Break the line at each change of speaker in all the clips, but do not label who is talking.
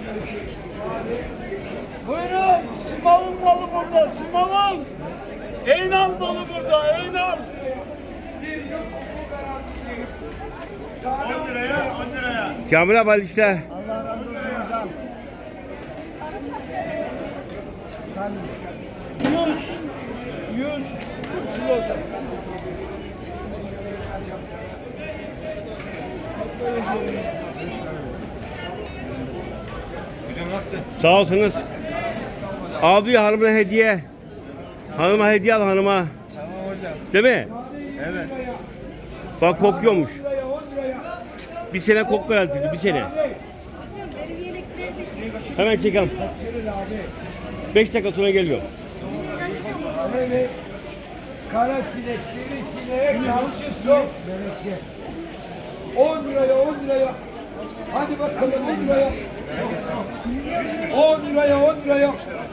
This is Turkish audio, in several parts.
Buyurun. Simal'ın malı burada. Simal'ın. Eynal malı burada. Eynal. 10 liraya, 10 liraya.
Kamil abi işte.
Allah razı olsun hocam. Sen 100 kilo.
Hocam nasılsın?
Sağ olsunuz. Abi hanıma hediye. Hanıma hediye al hanıma.
Tamam hocam.
Değil mi?
Evet.
Bak kokuyormuş. Bir sene koku garantili, bir sene. Hemen çekelim. 5 dakika sonra geliyor.
Evet. Kara sinek, sivrisineğe karşı sok. Melekçe. 10 liraya, 10 liraya. Hadi bakalım 10 liraya. 10 liraya, 10 liraya.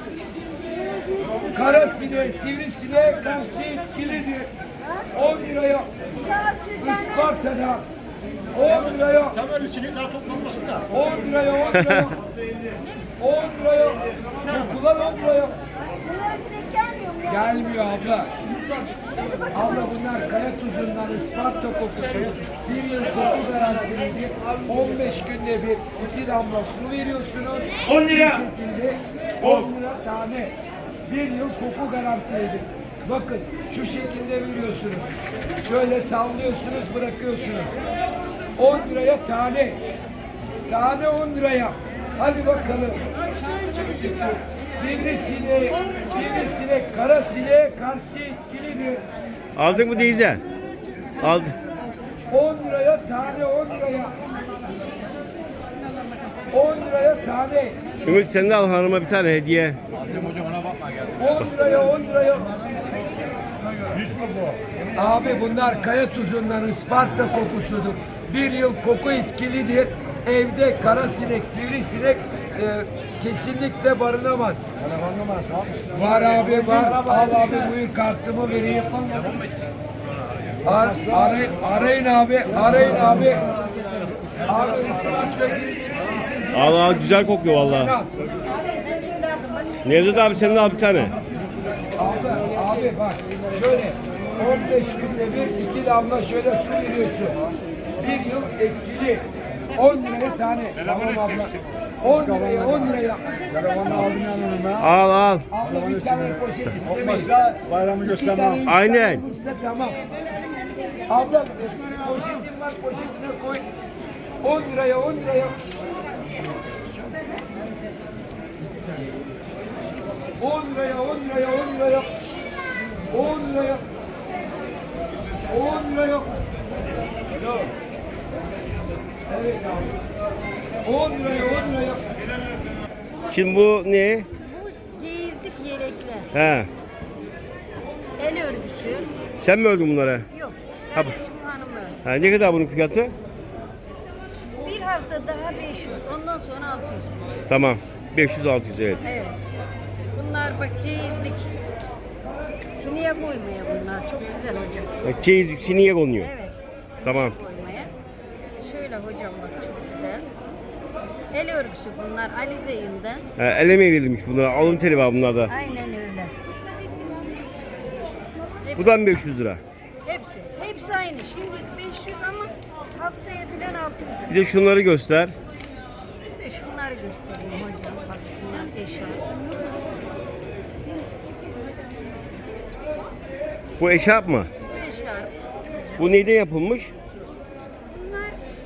Kara sineğe, sivrisineğe karşı etkilidir. 10 liraya. Isparta'da. 10 liraya.
Tam öyle sinek daha toplanmasın da.
10 liraya, 10 liraya. 10 liraya. Kullan 10 liraya. Gelmiyor abla. Abla bunlar kaya tuzundan Isparta kokusu. Bir yıl koku garantilidir. 15 günde bir 2 damla su veriyorsunuz.
10 lira.
Bu şekilde 10 lira tane. Bir yıl koku garantilidir. Bakın şu şekilde veriyorsunuz. Şöyle sallıyorsunuz, bırakıyorsunuz. 10 liraya tane. Tane 10 liraya. Hadi bakalım. Sivrisinek, kara sineğe karşı etkilidir.
Aldın mı teyze? Aldım.
10 liraya tane, 10 liraya. 10 liraya tane.
Ümit sen de al hanıma bir tane hediye.
Alacağım hocam ona bakma geldi.
10 liraya, 10 liraya. Abi bunlar kaya tuzundan Isparta kokusudur. Bir yıl koku etkilidir. Evde kara sinek, sivrisinek kesinlikle barınamaz. Var abi var. Al abi buyur kartımı vereyim. Arayın abi. Arayın abi. Abi
Allah güzel kokuyor vallahi. Nevzat abi sen de al bir tane.
Abi bak şöyle 15 günde bir 2 damla şöyle su veriyorsun. Bir yıl etkili. 10 liraya tane. Tamam abla. 10 liraya 10 liraya.
Al al.
Abla bir tane poşet istemeyin.
Bayramı
göstermem.
Aynen.
Tamam. Abla poşetim var poşetine koy. 10 liraya 10 liraya. 10 liraya 10 liraya 10 liraya. 10 liraya. 10 liraya. Evet abi. 10 liraya 10 liraya.
Şimdi bu ne?
Bu ceyizlik yelekler.
He.
El örgüsü.
Sen mi ördün bunları?
Yok.
Ha,
Kardeşim hanım ördü.
Ha, ne kadar bunun fiyatı?
Bir hafta daha 500. Ondan sonra 600.
Tamam. 500-600 evet.
Evet. Bunlar bak ceyizlik. Siniye koymaya bunlar. Çok güzel hocam.
Bak çeyizlik siniye konuyor.
Evet. Siniye
Tamam.
koymaya. Şöyle hocam bak çok güzel. El örgüsü bunlar Alize'yinden.
El verilmiş bunlara. Alın teli var bunlarda.
Aynen öyle.
Bu da 500 lira.
Hepsi. Hepsi aynı. Şimdi 500 ama haftaya filan 600.
Bir de şunları göster.
Bir de şunları göstereyim hocam. Bak bunlar eşarp.
Bu eşarp mı?
Bu eşarp.
Bu neyden yapılmış?
Bunlar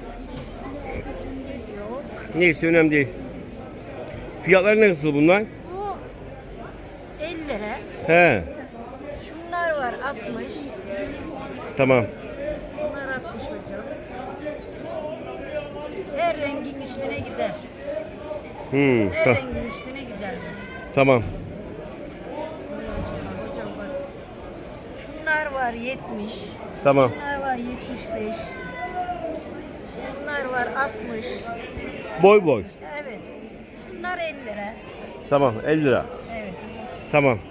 yok.
Neyse önemli değil. Fiyatları nasıl bunlar?
Bu 50 lira.
He.
Şunlar var 60.
Tamam.
Bunlar 60 hocam. Her rengin üstüne gider. Her rengin üstüne gider.
Tamam.
Ondan sonra hocam bak. Şunlar var 70.
Tamam.
Şunlar var 75. Bunlar var 60.
Boy boy.
Evet. Şunlar 50 lira.
Tamam 50 lira.
Evet.
Tamam.